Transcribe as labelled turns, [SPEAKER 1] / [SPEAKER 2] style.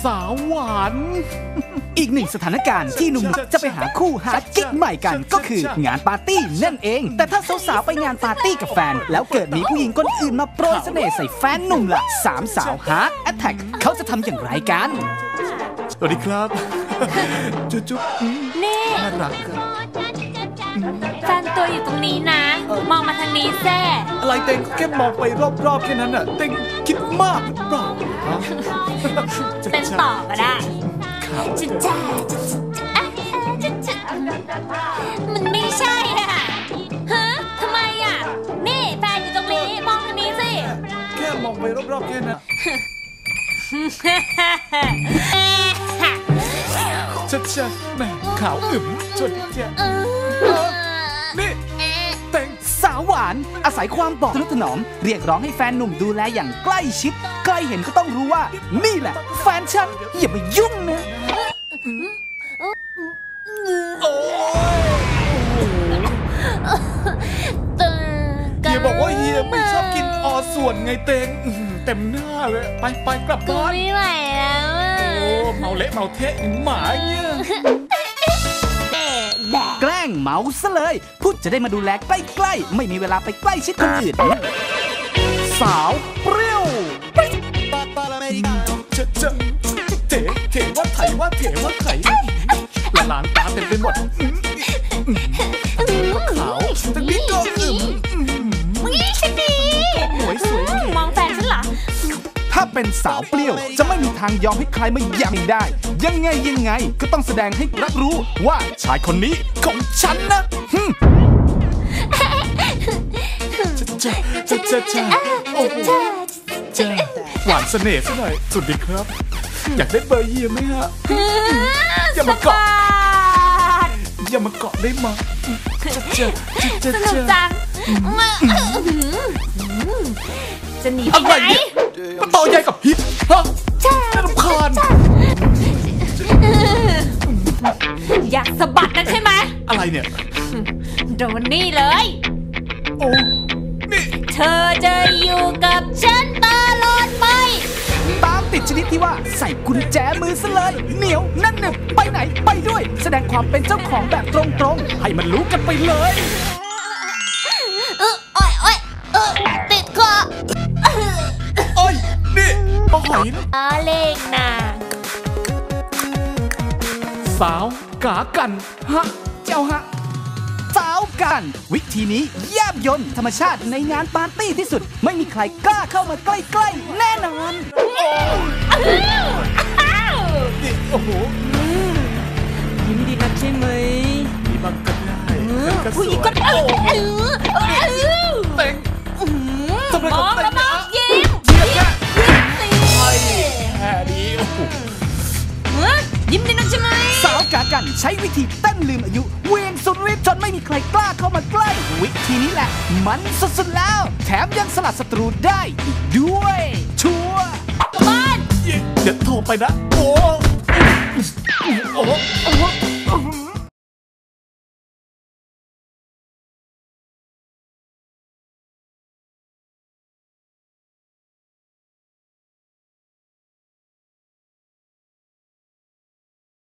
[SPEAKER 1] สาวหวาน
[SPEAKER 2] อีกหนึ่งสถานการณ์ที่หนุ่มๆจะไปหาคู่หากิ๊กใหม่กันก็คืองานปาร์ตี้นั่นเองแต่ถ้าสาวๆไปงานปาร์ตี้กับแฟนแล้วเกิดมีผู้หญิงคนอื่นมาโปรยเสน่ห์ใส่แฟนหนุ่มล่ะสามสาวฮาร์ดแอทแทกเขาจะทำอย่างไรกัน
[SPEAKER 1] สวัสดีครับจุ๊บ
[SPEAKER 3] นี่
[SPEAKER 1] น่ารัก
[SPEAKER 3] แฟนตัวอยู่ตรงนี้นะมองมาทางนี้แซ่
[SPEAKER 1] อะไรเต็งแค่มองไปรอบๆแค่นั้นน่ะเต็งคิดมากหรือเปล่า
[SPEAKER 3] เป็นต่อก็ได้จุ๊จ้ามันไม่ใช่อ่ะฮะทำไมอ่ะนี่แฟนอยู่ตรงนี้มองทางนี้สิ
[SPEAKER 1] แค่มองไปรอบๆแค่นั้นชัดแม่ขาวอึมชนแจ๊นี่เต็ง
[SPEAKER 2] สาวหวานอาศัยความบอกทนุถนอมเรียกร้องให้แฟนหนุ่มดูแลอย่างใกล้ชิดใกล้เห็นก็ต้องรู้ว่านี่แหละแฟนฉันอย่ามายุ่งนะ
[SPEAKER 1] เฮียบอกว่าเฮียไม่ชอบกินออส่วนไงเต็งเต็มหน้าเลยไปกลับบ้าน
[SPEAKER 3] ไม่ไหวแล้ว
[SPEAKER 1] โอ้เมาเละเมาเทะหมาเงี้ย
[SPEAKER 2] แกล้งเมาซะเลยพุทธจะได้มาดูแลใกล้ๆไม่มีเวลาไปใกล้ชิดคนอื่นสาวเปรี้ยว
[SPEAKER 1] เถว่าไถว่าเถว่าไถละลานตาเต็มไปหมดขาวแต่นี่ก็
[SPEAKER 3] ฉันดี
[SPEAKER 1] สวย
[SPEAKER 3] มองแฟนฉันเหรอ
[SPEAKER 2] ถ้าเป็นสาวเปรี้ยวจะไม่มีทางยอมให้ใครมาแย่งได้ยังไงก็ต้องแสดงให้รับรู้ว่าชายคนนี้ของฉันนะ
[SPEAKER 1] หวานเสน่ห์ซะหน่อยสุดดีครับอยากได้เบอร์เฮียไหมฮะอย่ามาเกาะได้มา
[SPEAKER 3] สนุกจังจะหนีไปไหน
[SPEAKER 1] ต่อใหญ่กับฮิตฮะน่ารำคาญ
[SPEAKER 3] อยากสะบัดนะใช่ไหม
[SPEAKER 1] อะไรเนี่ย
[SPEAKER 3] โดนนี่เลย
[SPEAKER 1] โอ้นี่
[SPEAKER 3] เธอจะอยู่กับฉันตลอดไป
[SPEAKER 2] ตามติดชนิดที่ว่าใส่กุญแจมือซะเลยเหนียวนั่นหนึบไปไหนไปด้วยแสดงความเป็นเจ้าของแบบตรงๆให้มันรู้กันไปเลย
[SPEAKER 3] ติดคอ
[SPEAKER 1] โอ้ยนี่ปลาหอยนะ
[SPEAKER 3] เล็กนะ
[SPEAKER 1] สาวกากันฮะ
[SPEAKER 2] เจ้าฮะสาวกันวิธีนี้แยบยลธรรมชาติในงานปาร์ตี้ที่สุดไม่มีใครกล้าเข้ามาใกล้ๆแน่นอน
[SPEAKER 1] นี่โอ้โห
[SPEAKER 2] ยิ้มดีนักใช่ไหม
[SPEAKER 1] มีบางก็ได้
[SPEAKER 3] ผู้หญิงก็เ
[SPEAKER 1] ต็งทำไมกับเต็งนะ
[SPEAKER 3] ยิ้ม
[SPEAKER 1] แค่นี้โอ้โห
[SPEAKER 3] ยิ้มดีนักใช่ไหม
[SPEAKER 2] สาวกากันใช้วิธีเต้นลืมอายุเวียงสุดฤทธิ์จนไม่มีใครกล้าเข้ามาใกล้วิธีนี้แหละมันสุดๆแล้วแถมยังสลัดศัตรูได้อีกด้วยชัวร์
[SPEAKER 3] บ้าน
[SPEAKER 1] เดี๋ยวโทรไปนะโอ้